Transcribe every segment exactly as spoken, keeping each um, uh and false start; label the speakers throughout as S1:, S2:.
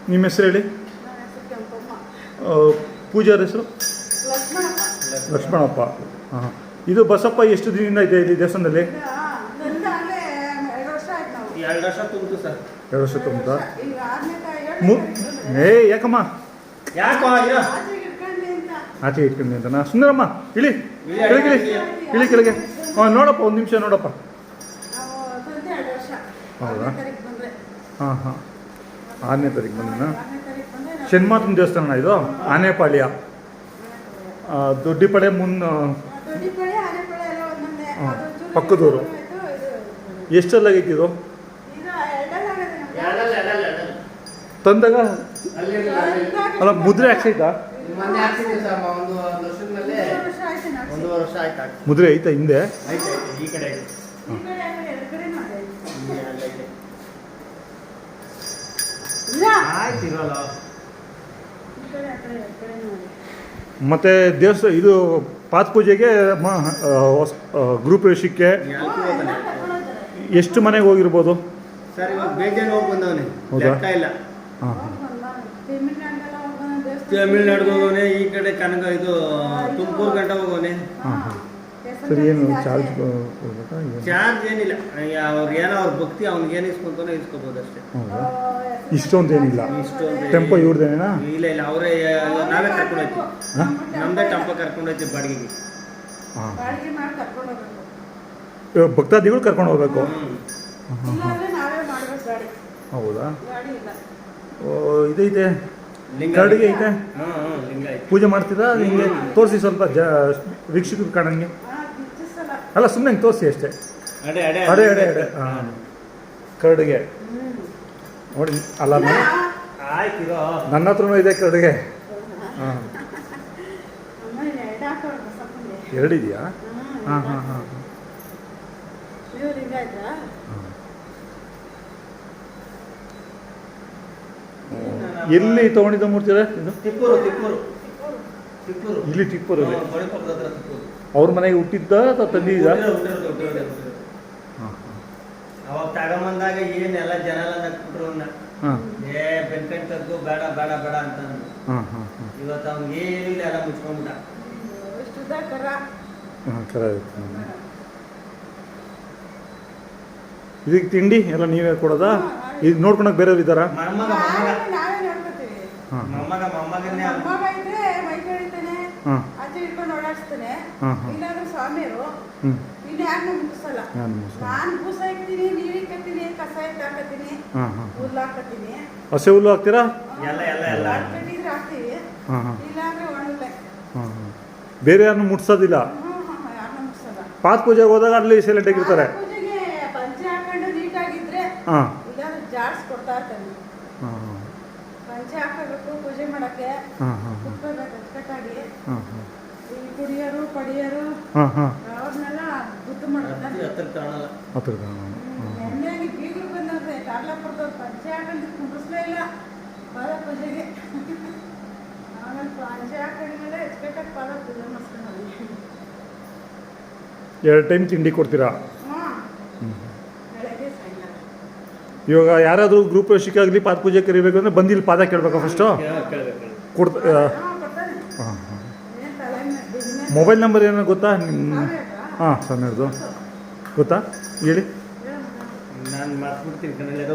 S1: ನಿಮ್ಮ ಹೆಸರು ಹೇಳಿ. ಪೂಜಾರ ಹೆಸರು ಲಕ್ಷ್ಮಣಪ್ಪ. ಹಾಂ, ಇದು ಬಸಪ್ಪ ಎಷ್ಟು ದಿನದಿಂದ ಇದೆ ಇಲ್ಲಿ ದೇವಸ್ಥಾನದಲ್ಲಿ?
S2: ಎರಡು ವರ್ಷ ತುಂಬಿತು ಸರ್.
S1: ಎರಡು ವರ್ಷ ತುಂಬುತ್ತಾ? ಮು ಏ ಯಾಕಮ್ಮ
S2: ಯಾಕೋ
S1: ಆಚೆ ಇಟ್ಕೊಂಡು ಅಂತನಾ? ಸುಂದರಮ್ಮ ಇಳಿ ಕೆಳಗೆ, ಇಳಿ ಇಳಿ ಕೆಳಗೆ. ಹಾಂ, ನೋಡಪ್ಪ ಒಂದು ನಿಮಿಷ ನೋಡಪ್ಪ. ಹೌದಾ? ಹಾಂ ಹಾಂ, ಆರನೇ ತಾರೀಕು ಬಂದಿನ ಶನ್ಮಾತನ ದೇವಸ್ಥಾನ ಇದು, ಆನೆಪಾಳ್ಯ ದೊಡ್ಡಿಪಡೆ ಮುನ್ನ ಪಕ್ಕದೂರು. ಎಷ್ಟಲ್ಲಾಗೈತಿ ಇದು ತಂದಾಗ? ಅಲ್ಲ, ಮುದ್ರೆ ಹಾಕ್ಸೈತಾ? ಮುದ್ರೆ ಐತಾ ಹಿಂದೆ? ಮತ್ತೆ ದೇವಸ್ಥಾನ ಇದು ಪಾತ್ ಪೂಜೆಗೆ ಗೃಹಪ್ರವೇಶಕ್ಕೆ ಎಷ್ಟು ಮನೆಗೆ ಹೋಗಿರ್ಬೋದು
S2: ಸರ್? ಇವಾಗ ಬೇಜಾನ್ ಹೋಗಿ ಬಂದವನೇ. ಲೆಕ್ಕ ಇಲ್ಲ.
S1: ಹಾಂ ಹಾಂ,
S2: ತಮಿಳ್ನಾಡಿಗೆ ಹೋಗೋನೆ, ಈ ಕಡೆ ಕನಕ ಇದು ತುಮಕೂರು ಗಂಟ ಹೋಗೋನೆ.
S1: ಹಾಂ ಹಾಂ, ಸರಿ. ಏನು ಚಾರ್ಜ್ ಕೊಡ್ಬೇಕಾ?
S2: ಚಾರ್ಜ್ ಏನಿಲ್ಲ, ಅವ್ರು ಏನೋ ಅವ್ರ ಭಕ್ತಿ ಅವ್ನಿಗೆ ಏನು ಇಸ್ಕೊಂತಾನೋ ಇಸ್ಕೋಬೋದು ಅಷ್ಟೇ.
S1: ಹೌದಾ? ಇಷ್ಟೊಂದು ಏನಿಲ್ಲ.
S2: ಇಷ್ಟೊಂದು
S1: ಟೆಂಪೋ ಇವ್ರದೇನಾ?
S2: ಇಲ್ಲ ಇಲ್ಲ, ಅವರೇ ನಾವೇ ಕರ್ಕೊಂಡು ಹೋಯ್ತೀವಿ. ನಮ್ಮದೇ ಟೆಂಪೋ ಕರ್ಕೊಂಡು ಹೋಯ್ತೀವಿ ಬಾಡಿಗೆಗೆ.
S1: ಹಾಂ, ಭಕ್ತಾದಿಗಳು ಕರ್ಕೊಂಡು ಹೋಗ್ಬೇಕು. ಹೌದಾ? ಇದೈತೆ ಕರಡಿಗೆ ಐತೆ. ಪೂಜೆ ಮಾಡ್ತೀರಾ? ನಿಮಗೆ ತೋರಿಸಿ ಸ್ವಲ್ಪ ಜ ವೀಕ್ಷಕರು ಕಾಣಂಗೆ. ಅಲ್ಲ, ಸುಮ್ಮನೆ ಹಿಂಗೆ ತೋರಿಸಿ ಅಷ್ಟೇ. ಅಡೆ ಅಡೆ ಅಡೆ ಹಾಂ, ಕರಡಿಗೆ ನೋಡಿ. ಅಲ್ಲ, ನನ್ನ ಹತ್ರನೂ ಇದೆ ಕರಡಿಗೆ. ಹಾಂ, ಎರಡಿದೆಯಾ? ಹಾಂ ಹಾಂ ಹಾಂ ಹಾಂ. ಎಲ್ಲಿ ತಗೊಂಡಿದ್ದ ಮೂರ್ತಿ ಇದು?
S2: ತಿಪ್ಪೂರು ತಿಪ್ಪೂರು ತಿಪ್ಪೂರು
S1: ಇಲ್ಲಿ ತಿಪ್ಪೂರು.
S2: ತಿಪ್ಪೂರು
S1: ಅವ್ರ ಮನೆಗೆ ಹುಟ್ಟಿದ್ದ ಅಥವಾ ತಂದಿದ್ದ?
S2: ಅವಾಗ ತಗೊಂಬಂದಾಗ ಏನೆಲ್ಲ ಜನ ಎಲ್ಲ ನಕ್ಬಿಟ್ರು.
S1: ಹಾಂ,
S2: ಏ ಬೆನ್ಕಂಡ್ ತಗ್ಗು, ಬೇಡ ಬೇಡ ಬೇಡ ಅಂತ.
S1: ಹಾಂ ಹಾಂ ಹಾಂ.
S2: ಇವತ್ತು ಅವ್ನಿಗೆ ಏನಿಲ್ಲ, ಎಲ್ಲ ಮುಚ್ಕೊಂಡ್ಬಿಟ್ಟ.
S1: ಹಾಂ, ಕರ. ಇದಕ್ಕೆ ತಿಂಡಿ ಎಲ್ಲ ನೀವೇ ಕೊಡೋದಾ? ಇದು ನೋಡ್ಕೊಳಕ್ ಬೇರೆಯವ್ರು ಇದ್ದಾರಾ?
S2: ಮೊಮ್ಮಗ ಮೊಮ್ಮಗ ಮೊಮ್ಮಗನ್ನೇ
S1: ಹಾಂ ಹಾಂ ಹಾಂ ಹಾಂ.
S3: ಸ್ವಾಮಿಯರು ಇನ್ನು ಯಾರನ್ನೂ ಮುಗಿಸಲ್ಲ. ನಾನು ಬೂಸ ಇಕ್ತೀನಿ, ನೀರು ಇಕ್ಕತ್ತೀನಿ, ಕಸ ಎತ್ತಾಕತ್ತೀನಿ, ಹುಲ್ಲು ಹಾಕತ್ತೀನಿ.
S1: ಹಸೆ ಹುಲ್ಲು ಹಾಕ್ತೀರಾ?
S2: ಎಲ್ಲ ಎಲ್ಲ ಎಲ್ಲ
S3: ಕಟ್ಟಿದ್ರೆ ಹಾಕ್ತೀವಿ,
S1: ಹಾಂ ಹಾಂ.
S3: ಇಲ್ಲಾಂದ್ರೆ ಒಣಗಲೆ.
S1: ಹಾಂ ಹಾಂ. ಬೇರೆ ಯಾರನ್ನು ಮುಟ್ಸೋದಿಲ್ಲ?
S3: ಯಾರನ್ನೂ ಮುಗಿಸಲ್ಲ.
S1: ಪಾತ್ ಪೂಜೆಗೆ ಹೋದಾಗ ಅಲ್ಲಿ ಸೈಲೆಂಟ್ ಆಗಿರ್ತಾರೆ.
S3: ಪೂಜೆಗೆ ಪಂಚೆ ಹಾಕೊಂಡು ನೀಟಾಗಿದ್ರೆ
S1: ಹಾಂ,
S3: ಇಲ್ಲಾಂದ್ರೆ ಜಾಡ್ಸ್ ಕೊಡ್ತಾ ಇರ್ತಾನೆ.
S1: ಹಾಂ ಹಾಂ.
S3: ಪಂಚೆ ಹಾಕಬೇಕು ಪೂಜೆ ಮಾಡಕ್ಕೆ.
S1: ಹಾಂ ಹಾಂ
S3: ಕುತ್ಕೋಬೇಕು ಅಚ್ಚುಕಟ್ಟಾಗಿ.
S1: ಹಾಂ ಹಾಂ.
S3: ಈ ಕುಡಿಯೋರು ಪಡಿಯೋರು
S1: ಹಾಂ ಹಾಂ
S3: ಅವ್ರನ್ನೆಲ್ಲ ಬುದ್ಧಿ ಮಾಡ್ತಾರೆ.
S2: ಹತ್ರ ಕಾಣಲ್ಲ.
S1: ಹತ್ರ
S3: ಎಣ್ಣೆಯಾಗಿ ಬೀಗರು ಬಂದ್ರೆ ಕಾರ್ಲಾಪುರದವ್ರು ಪಂಚೆ ಹಾಕೊಂಡು ಕುಂಡ್ರಿಸ್ಲೇ ಇಲ್ಲ ಪಾದ ಪೂಜೆಗೆ. ಆಮೇಲೆ ಪಂಚೆ ಹಾಕೊಂಡ್ಮೇಲೆ ಅಚ್ಚುಕಟ್ಟಾಗಿ ಪಾದ ಪೂಜೆ ಮಾಡಿಸ್ಕೊಂಡು
S1: ಎರಡು ಟೈಮ್ ತಿಂಡಿ ಕೊಡ್ತೀರಾ?
S3: ಹಾಂ, ಬೆಳಗ್ಗೆ ಸಾಯಂಕಾಲ.
S1: ಇವಾಗ ಯಾರಾದರೂ ಗ್ರೂಪ್ ಪ್ರವೇಶಕ್ಕಾಗಲಿ ಪಾದ ಪೂಜೆ ಕರಿಬೇಕು ಅಂದರೆ ಬಂದು ಇಲ್ಲಿ ಪಾದ ಕೇಳಬೇಕಾ ಫಸ್ಟು? ಕೊಡ್ತಾ? ಹಾಂ ಹಾಂ. ಮೊಬೈಲ್ ನಂಬರ್ ಏನೋ ಗೊತ್ತಾ ನಿಮ್ಮ? ಹಾಂ, ಸಣ್ಣದು ಗೊತ್ತಾ? ಹೇಳಿ.
S2: ನಾನು ಮಾತ್ಬಿಡ್ತೀನಿ ಕನ್ನಡ.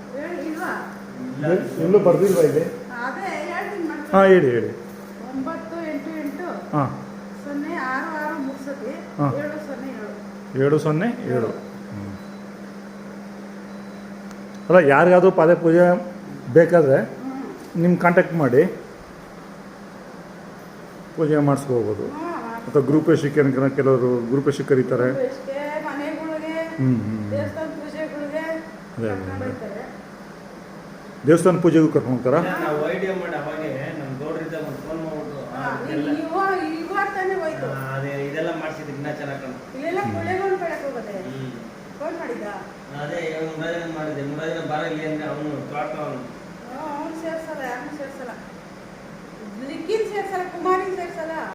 S1: ಎಲ್ಲೂ ಬರ್ದಿಲ್ವಾ ಇದೆ? ಹಾಂ, ಹೇಳಿ ಹೇಳಿ.
S3: ಒಂಬತ್ತು ಎಂಟು ಎಂಟು
S1: ಹಾಂ,
S3: ಸೊನ್ನೆ ಆರು ಆರು ಮೂರು ಸತಿ
S1: ಹಾಂ,
S3: ಏಳು ಸೊನ್ನೆ ಏಳು
S1: ಏಳು ಸೊನ್ನೆ ಏಳು. ಹ್ಞೂ. ಅಲ್ಲ, ಯಾರಿಗಾದರೂ ಪಾದ ಪೂಜೆ ಬೇಕಾದರೆ ನಿಮ್ಮ ಕಾಂಟ್ಯಾಕ್ಟ್ ಮಾಡಿ ಪೂಜೆ ಮಾಡಿಸ್ಕೋಬೋದು. ಅಥವಾ ಗ್ರೂಪ್ ಶಿಕ್ಷೆ ಕೆಲವರು ಗ್ರೂಪ್ ಶಿಕ್ಷೆ ಕರೀತಾರೆ.
S3: ಮನೆಗಳಿಗೆ
S1: ಹ್ಞೂ ಹ್ಞೂ.
S3: ದೇವಸ್ಥಾನ ಪೂಜೆಗಳಿಗೆ
S1: ಅದೇ ಅದೇ ದೇವಸ್ಥಾನ ಪೂಜೆಗೂ ಕರ್ಕೊಂಡು ಹೋಗ್ತಾರಾ?
S2: ನಾವು ಐಡಿಯಾ ಮಾಡಿ ಅವಾಗೆ ನಮ್ಮ ಗೌಡ್ರಿಂದ ಒಂದು ಫೋನ್ ಮಾಡ್ಬಿಟ್ಟು ಅದೇ ಇದೆಲ್ಲ ಮಾಡಿಸಿದ್ವಿ. ಇನ್ನೂ ಚೆನ್ನಾಗಿ ಕಾಣುತ್ತೆ.
S3: ಇಲ್ಲೆಲ್ಲ ಕುಳೆಗಳು ಬೆಳಕು ಹೋಗೋದೆ. ಫೋನ್ ಮಾಡಿದ್ದ?
S2: ಅದೇ ಮುರಾಜಿನ ಮಾಡಿದೆ. ಮುರಾಜಿನ ಬಾರ ಇಲ್ಲಿ ಅಂದರೆ ಅವನು ತೋಟ ಅವನು
S3: ಅವನು ಸೇರ್ಸಲ್ಲ, ಯಾರನ್ನೂ ಸೇರ್ಸಲ್ಲ. ಲಿಕ್ಕಿನ ಸೇರ್ಸಲ್ಲ, ಕುಮಾರಿನ ಸೇರ್ಸಲ್ಲ.